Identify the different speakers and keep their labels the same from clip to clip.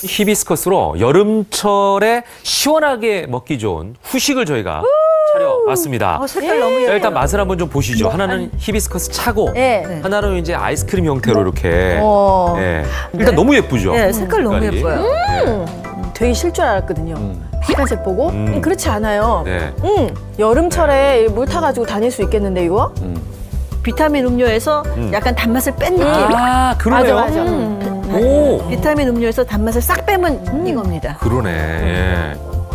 Speaker 1: 히비스커스로 여름철에 시원하게 먹기 좋은 후식을 저희가 차려봤습니다.
Speaker 2: 색깔 너무 예뻐요.
Speaker 1: 일단 맛을 한번 좀 보시죠. 하나는 히비스커스 차고,
Speaker 2: 네.
Speaker 1: 하나는 이제 아이스크림 형태로 이렇게.
Speaker 2: 어.
Speaker 1: 예. 일단 너무 예쁘죠.
Speaker 2: 네, 색깔 너무
Speaker 1: 색깔이.
Speaker 2: 예뻐요. 되게 실 줄 알았거든요. 빨간색 보고 그렇지 않아요.
Speaker 1: 네.
Speaker 2: 여름철에 물 타가지고 다닐 수 있겠는데 이거? 비타민 음료에서 약간 단맛을 뺀 느낌.
Speaker 1: 아, 그러네요.
Speaker 2: 맞아.
Speaker 1: 오,
Speaker 2: 비타민 음료에서 단맛을 싹 빼면 이겁니다.
Speaker 1: 그러네. 예.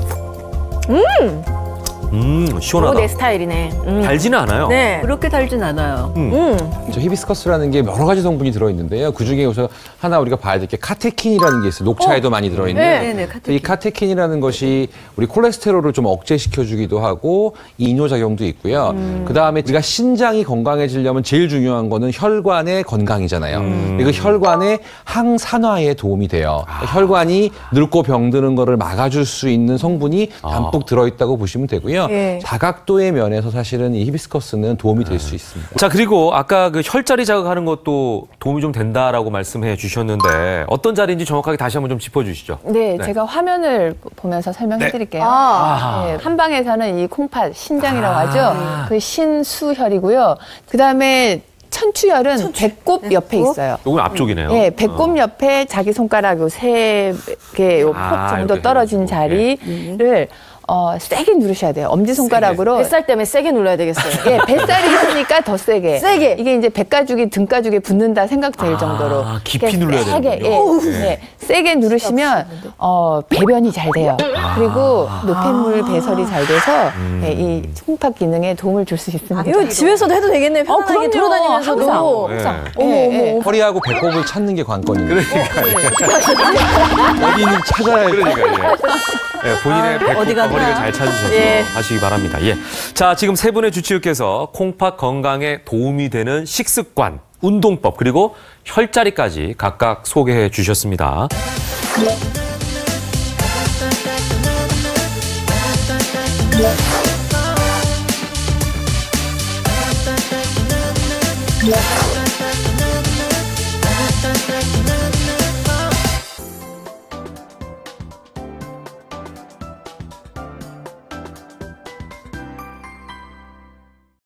Speaker 1: 시원하다.
Speaker 2: 내 스타일이네.
Speaker 1: 달지는 않아요.
Speaker 2: 네.
Speaker 3: 그렇게 달진 않아요.
Speaker 4: 저 히비스커스라는 게 여러 가지 성분이 들어있는데요. 그중에 우선 하나 우리가 봐야 될 게 카테킨이라는 게 있어요. 녹차에도 많이 들어있는.
Speaker 3: 네네, 카테킨.
Speaker 4: 이 카테킨이라는 것이 우리 콜레스테롤을 좀 억제시켜주기도 하고 이뇨작용도 있고요. 그다음에 우리가 신장이 건강해지려면 제일 중요한 거는 혈관의 건강이잖아요. 그리고 혈관의 항산화에 도움이 돼요. 혈관이 늙고 병드는 거를 막아줄 수 있는 성분이 담뿍 들어있다고 보시면 되고요.
Speaker 2: 예.
Speaker 4: 다각도의 면에서 사실은 이 히비스커스는 도움이 될 수 있습니다.
Speaker 1: 자, 그리고 아까 그 혈자리 자극하는 것도 도움이 좀 된다라고 말씀해 주셨는데 어떤 자리인지 정확하게 다시 한번 좀 짚어주시죠.
Speaker 5: 네, 제가 화면을 보면서 설명해 드릴게요. 네, 한방에서는 이 콩팥, 신장이라고 하죠. 그 신수혈이고요. 그다음에 천추혈은 배꼽 옆에 있어요.
Speaker 1: 요건 앞쪽이네요.
Speaker 5: 네, 배꼽 옆에 자기 손가락 요 세 개, 요 폭 정도
Speaker 1: 이렇게
Speaker 5: 떨어진
Speaker 1: 해가지고.
Speaker 5: 자리를 세게 누르셔야 돼요. 엄지손가락으로.
Speaker 2: 뱃살 때문에 세게 눌러야 되겠어요.
Speaker 5: 예, 뱃살이 있으니까 더 세게.
Speaker 2: 세게.
Speaker 5: 이게 이제 배가죽이 등가죽에 붙는다 생각될 정도로.
Speaker 1: 깊이
Speaker 5: 이렇게
Speaker 1: 눌러야
Speaker 5: 세게,
Speaker 1: 되는군요.
Speaker 5: 예, 세게 누르시면 배변이 잘 돼요. 그리고 노폐물 배설이 잘 돼서 예, 이 콩팥 기능에 도움을 줄 수 있습니다.
Speaker 2: 이거 집에서도 해도 되겠네요. 편안하게
Speaker 5: 그럼요.
Speaker 2: 돌아다니면서도.
Speaker 5: 항상.
Speaker 1: 네.
Speaker 4: 허리하고 배꼽을 찾는 게 관건입니다.
Speaker 1: 그러니까
Speaker 4: 어디는 찾아야 돼.
Speaker 1: 그러니까 본인의 배꼽과
Speaker 3: 어디 갔나?
Speaker 1: 허리를 잘 찾으셔서
Speaker 2: 예.
Speaker 1: 하시기 바랍니다. 예. 자, 지금 세 분의 주치의께서 콩팥 건강에 도움이 되는 식습관, 운동법 그리고 혈자리까지 각각 소개해 주셨습니다.
Speaker 6: Yeah.